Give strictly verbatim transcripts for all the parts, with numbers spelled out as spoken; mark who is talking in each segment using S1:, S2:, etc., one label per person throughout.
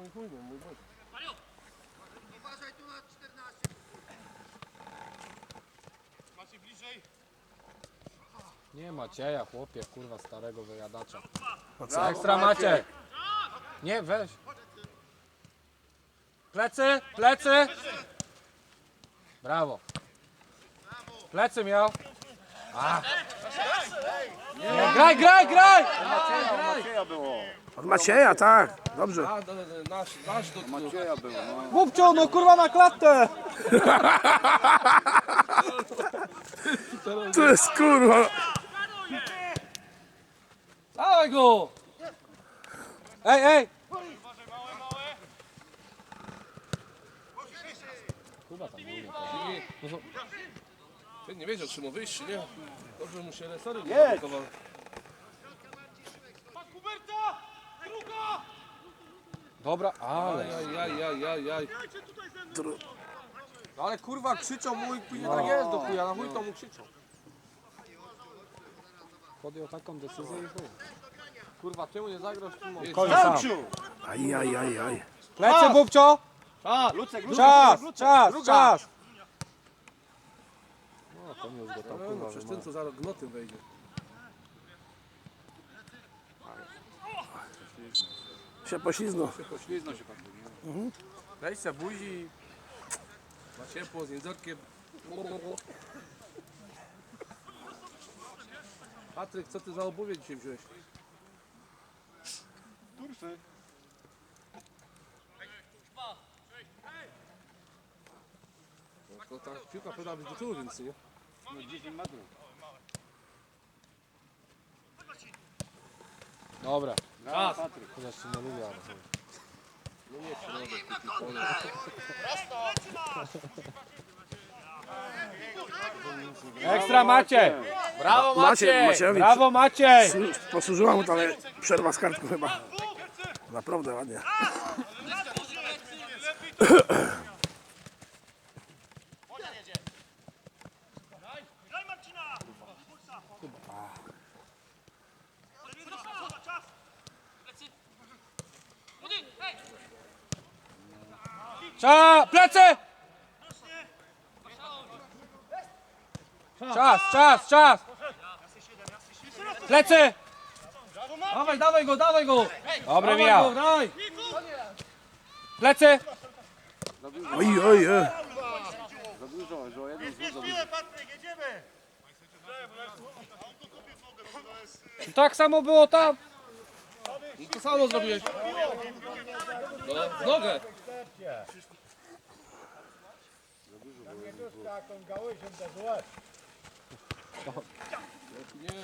S1: i chuj, no mój Boże.
S2: Uważaj tu na czternaście.
S3: Macie bliżej.
S4: Nie Macieja, chłopie, kurwa, starego wyjadacza.
S5: Brawo,
S4: Ekstra Maciek! Nie, weź. Plecy, plecy! Brawo. Plecy miał. A. Nie, graj, graj, graj!
S5: Macieja było.
S6: Od Macieja, tak. Dobrze.
S1: A, do, do, nasz, nasz do tyłu.
S5: Macieja było, no.
S4: Głupcio, no kurwa na klatę!
S6: To jest kurwa.
S1: Dawaj go!
S4: Ej, ej! Kurwa tam mówię.
S1: Nie, no, ty nie wiedział, czy mu wyjść, czy nie? Dobrze mu się resory nie
S5: Jedź!
S1: zablokował.
S3: Huberta! Druga!
S4: Dobra, ale.
S1: Aj, aj, aj, aj, aj.
S4: No ale kurwa krzyczą mój, później tak jest do chuja, na chuj to mu krzyczą. Podjął taką decyzję i chuj. Kurwa, czemu nie zagrasz w tym momencie?
S5: Zamciu!
S6: Aj, aj, aj, aj.
S4: Plecy, Bubcio!
S1: A,
S5: Lucek, Lucek,
S4: Czas,
S5: Lucek,
S4: czas,
S5: druga.
S4: czas! No, to już go tam
S1: no,
S4: kurwa
S1: przecież ten co zaraz gnoty wejdzie.
S6: Się poślizgnął.
S5: Pośliznął się pan.
S1: Weź se buzi. Ma ciepło z jędzorkiem. Patryk, co ty za obuwie dzisiaj wziąłeś?
S5: Turfy.
S1: No, ta piłka powinna być do tyłu, więc nie?
S5: No dziesięć metrów.
S4: Dobra,
S5: Brawo, Patryk.
S4: chociaż się nie lubię, ale chuj.
S1: No nie, środek, taki pole.
S4: Ekstra Maciej! Brawo
S6: Maciej,
S4: Maciej!
S6: Maciejewicz.
S4: Brawo Maciej!
S6: Posłużyła mu to, ale przerwa z kartką chyba. Naprawdę ładnie.
S3: Daj Marcina! Czas!
S4: Cza, plecy! Czas, czas, czas! Plecy!
S1: Dawaj, dawaj go, dawaj go!
S4: Dobry
S1: Dawaj
S4: miał!
S1: go, daj!
S4: Plecy!
S6: Oj, oj, oj.
S5: Za dużo, że o jeden złóż za dużo.
S3: Patryk, jedziemy!
S4: Tak samo było tam!
S1: No to samo zrobiłeś. No, w nogę. Nie.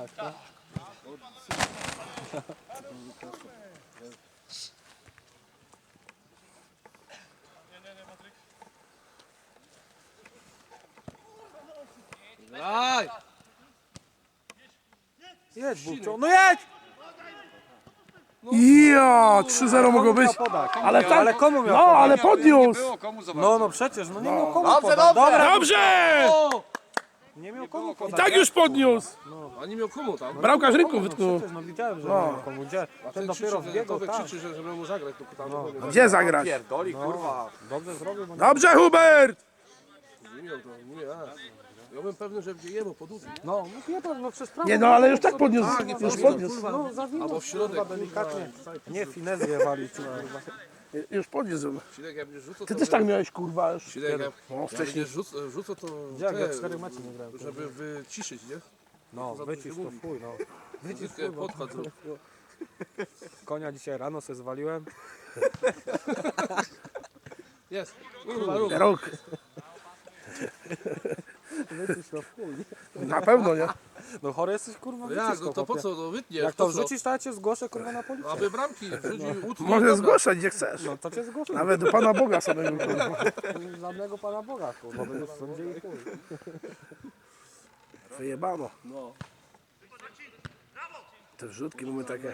S1: Daj!
S4: Jedź, Bubcio, no jedź!
S6: Ja, trzy zero mogło być. Ale tak,
S4: Ale komu miał
S6: no,
S4: podać?
S6: ale
S5: Nie
S6: podniósł.
S5: było komu za
S4: No,
S5: bardzo.
S4: no przecież, no nie miał komu
S5: Dobrze,
S4: podać.
S5: dobrze.
S4: Dobra,
S6: Dobrze!
S1: O!
S4: nie miał komu
S6: I
S4: podać.
S6: tak już podniósł.
S1: A nie miał komu tam?
S6: Bramkarz rynku
S4: No
S6: wytknął.
S4: przecież, no widziałem, że nie miał komu. Gdzie?
S1: A
S4: Ten
S1: krzyczy,
S4: dopiero
S1: że-
S4: wbiegł,
S1: Tomek
S4: tak.
S1: krzyczy, że żeby mu zagrać, to tam no.
S6: Gdzie zagrać?
S5: Pierdoli, kurwa.
S4: Dobrze zrobił, bo nie...
S6: Dobrze, Hubert!
S1: Nie miał to, nie miał. Ja byłem pewny, że będzie jemu podłuży.
S4: No, no nie pewno, no przez prawo.
S6: Nie no, ale już tak podniósł.
S1: Tak, nie
S6: Już
S1: powinno,
S6: podniósł.
S4: No, zawinął.
S1: Albo w środek,
S4: kurwa, delikatnie. Nie, finezję walić, kurwa.
S6: Już podniósł.
S1: Sidek, jak będziesz rzucał,
S6: Ty
S1: to...
S6: też tak miałeś, kurwa, już.
S1: Sidek, jak,
S6: No,
S1: jak
S6: wcześniej.
S1: będziesz rzuc, rzucał, to...
S4: Jak ja
S1: te,
S4: cztery mecze nie grałem.
S1: Żeby wyciszyć, nie?
S4: No,
S1: za
S4: wycisz
S1: dużo
S4: to
S1: mówi.
S4: fuj, no. Wycisz
S1: Wyciskę,
S4: fuj, bo...
S1: podkład zrób.
S4: Konia dzisiaj rano se zwaliłem.
S1: Jest. Kurwa, rób.
S6: Rok.
S4: Wycisz to fuj.
S6: Na pewno, nie?
S4: No chory jesteś, kurwa,
S1: No
S4: wycisz
S1: jak, no to po
S4: chłopie.
S1: co, no wytniesz,
S4: Jak to
S1: po co?
S4: wrzucisz, to ja cię zgłoszę, kurwa, na policję.
S1: Aby bramki wrzucił, utnął.
S6: Może
S1: dobra.
S6: zgłaszać, gdzie chcesz.
S4: No to cię zgłoszę.
S6: Nawet do Pana Boga samego, kurwa.
S4: Żadnego Pana Boga, kurwa, będziesz w sądzie i chuj.
S6: Wyjebano.
S1: No.
S6: Te wrzutki mamy takie.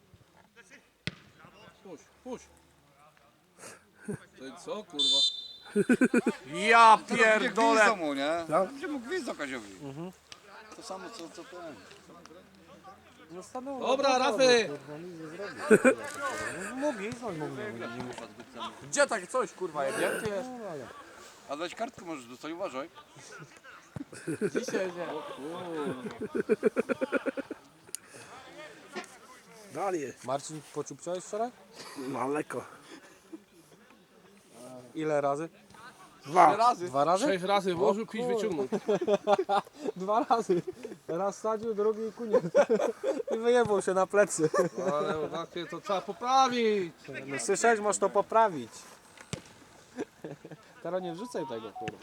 S1: Puść, puść. To i co, kurwa?
S4: Ja
S5: Pierdolę
S4: pierdolę!
S5: mu, nie?
S6: No.
S5: Gdzie mu gwizd Kaziowi? To samo co, co ten.
S4: No stanęło.
S1: Dobra,
S4: no,
S1: Rafy!
S4: kurwa, nic nie zrobił. No, mógł iść, mógł nie muszę. Gdzie takie coś, kurwa, jebnięty jest? No, ale
S5: A dać kartkę możesz dostać, uważaj.
S4: dzisiaj nie.
S6: Dalej.
S4: Marcin, pociupciałeś wczoraj?
S6: No lekko.
S4: Ile razy?
S6: Dwa.
S4: razy. Dwa razy?
S1: Sześć razy włożył, pięć wyciągnął.
S4: Dwa razy. Raz sadził, drugi i kuniec. I wyjebał się na plecy.
S1: No, ale takie to trzeba poprawić.
S4: No słyszałeś, możesz to poprawić. Teraz nie wrzucaj tego, kurwa.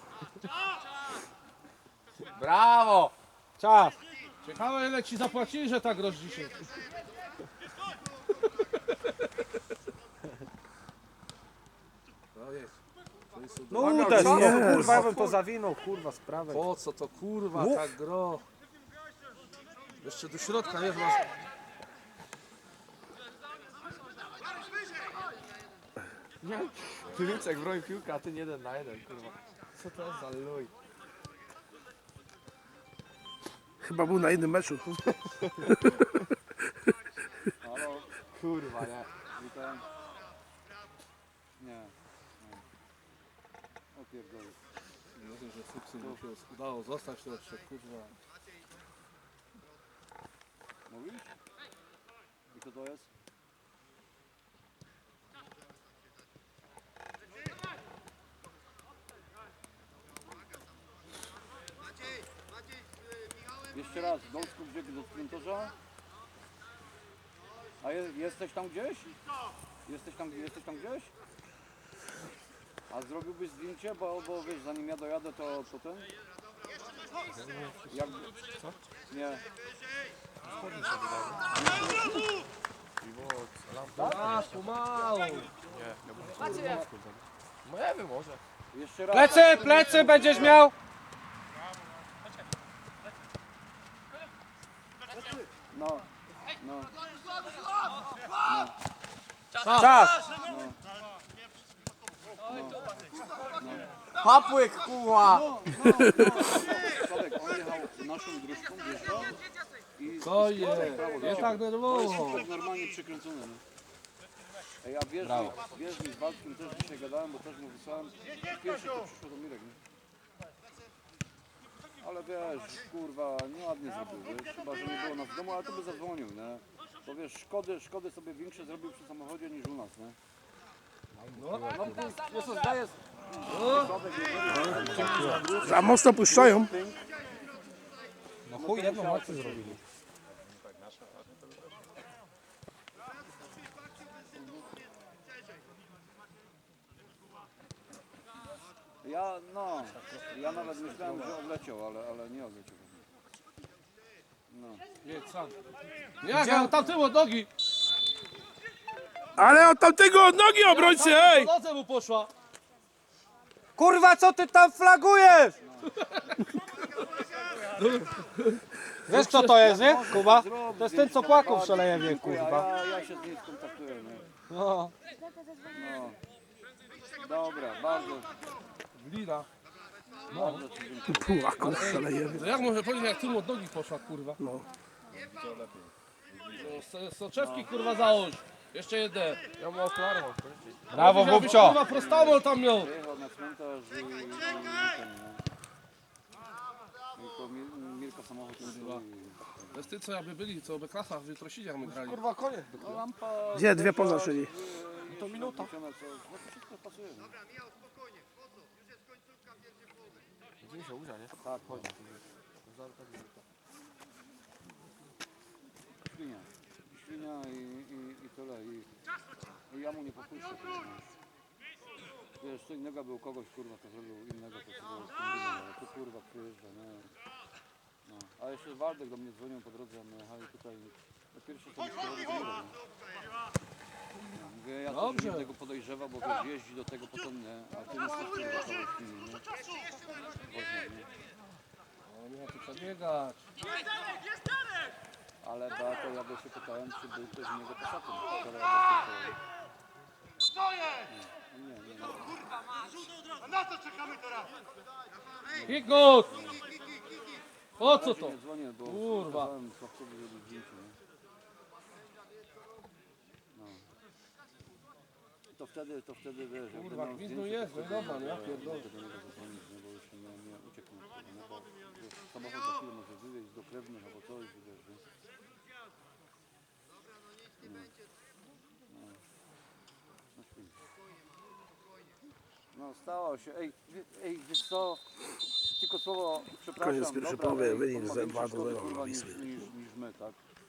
S4: Brawo! Czas!
S1: Ciekawe ile ci zapłacili, że tak grosz dzisiaj. No jest.
S4: No uderz, no
S6: Jezu.
S4: kurwa, ja bym to zawinął, kurwa, z prawej.
S1: Po co to kurwa
S4: Uf.
S1: tak gro? Jeszcze do środka jest masz.
S4: Piłczek broi piłkę, a ty jeden na jeden, kurwa. Co to jest za luj?
S6: Chyba był na innym meczu.
S5: Halo,
S4: Kurwa, nie.
S5: witam. Nie. nie. O pierdolę.
S1: Nie wiem, że fuksy mu się udało zostać to jeszcze kurwa.
S5: Mówisz? I co to jest?
S2: Maciej, Maciej z y, Michałem.
S5: Jeszcze raz, Gąsku biegł do sprinterza. A je, jesteś tam gdzieś? Jesteś tam, jesteś tam gdzieś? A zrobiłbyś zdjęcie, bo, bo wiesz, zanim ja dojadę, to, to ten? Jak... Co? Nie.
S1: A, pomału.
S4: No ja wiem, może.
S5: Jeszcze raz.
S4: Plecy, plecy będziesz miał!
S5: No, no.
S4: Czas! Papłyk, kurwa!
S5: Sławek, on jechał naszą dróżką, wiesz co? I
S1: Co
S5: i
S1: jest?
S5: skręcał w prawo,
S1: Nie
S5: dlaczego?
S1: tak
S5: To jest
S1: nerwowo.
S5: wszystko normalnie przykręcone, nie? Ej, a wiesz, mi, wiesz mi, z Waldkiem też dzisiaj gadałem, bo też mu wysłałem. Pierwszy to przyszło do Mirek, nie? Ale wiesz, kurwa, nieładnie zrobił, wiesz? Chyba, że nie było nas w domu, ale to by zadzwonił, nie? Bo wiesz, szkody, szkody sobie większe zrobił przy samochodzie niż u nas, nie? No, ty, jest to zdaje...
S6: Za mocno puszczają.
S4: No chuj, jedną akcję zrobili.
S5: Ja, no, ja nawet myślałem, że odleciał, ale, ale nie odleciał. No.
S1: Jedź sam. Jak, ja tam tył od nogi.
S6: Ale od tamtego od nogi obrońcy, ej!
S1: Po nodze mu poszła.
S4: Kurwa, co ty tam flagujesz? Wiesz kto to jest, nie? Kuba? To jest ten, co płakał w Szalejewie, kurwa.
S5: Ja, ja się z nim skontaktuję, nie?
S4: No.
S5: No. Dobra, bardzo,
S1: Glina.
S5: bardzo ci dziękuję.
S6: Płaku, szaleje.
S1: No jak może powiedzieć, jak tył od nogi poszła kurwa?
S6: No.
S1: So- Soczewki kurwa załóż. Jeszcze jedne.
S4: Ja mam okulary. Brawo,
S1: Żebyś,
S4: Bubcio!
S1: kurwa prostamol tam miał.
S5: Przyjechał na cmentarz i, i, i ten, no. Tylko Mir, Mirka samochód używa.
S1: To jest ty co jakby byli, co by klasa w Jutrosidziach my grali.
S4: Kurwa, koniec.
S5: No lampa...
S6: Gdzie? Dwie poza czyli.
S5: To minuta. No to wszystko pasuje, no.
S2: Dobra, Michał, spokojnie, wchodzą. Już jest końcówka pierwszej połowy.
S4: Gdzie się uda, nie?
S5: Tak, chodź. Świnia. Świnia i, i, i tyle. I, i ja mu nie popuszczę. Wiesz, co innego był kogoś, kurwa, to zrobił innego, to sobie kombinował, ale tu kurwa przyjeżdża, nie? No. A jeszcze Waldek do mnie dzwonił po drodze, a my jechali tutaj. Po pierwsze to myślałem, że nie robię. Mówię, ja też bym tego podejrzewał, bo wiesz, jeździ do tego potem, nie? A ty jesteś kurwa kogoś inny, nie? Woźniak, nie?
S1: No nie ma tu przebiegać.
S5: Ale Beato, ja by się pytałem, czy był ktoś innego poza tym. Wczoraj ja by się pytałem. Nie, nie, nie.
S3: A na co czekamy teraz?
S1: Kikut! Po co to?
S5: Nie dzwonię, bo
S1: Kurwa.
S5: kazałem Sławkowi zrobić zdjęcie, nie? No. To wtedy, to wtedy wiesz, jak
S1: Kurwa,
S5: będą
S1: gwizdu
S5: zdjęcia,
S1: jest,
S5: to
S1: no
S5: wtedy,
S1: dobra, ja
S5: e,
S1: pierdolę.
S5: mogę do niego zadzwonić, nie? Bo już nie, nie ucieknie, nie? Bo wiesz, samochód za chwilę może wywieźć do krewnych albo coś, wiesz, nie? No, świetnie. No stało się, ej, wie- ej, wiesz co, tylko słowo, przepraszam,
S6: Koniec pierwszej
S5: dobra,
S6: połowy,
S5: ej,
S6: wynik
S5: on ma
S6: za
S5: większe
S6: dwa do
S5: szkody,
S6: zera
S5: kurwa,
S6: dla
S5: niż,
S6: Wisły.
S5: niż, niż my, tak?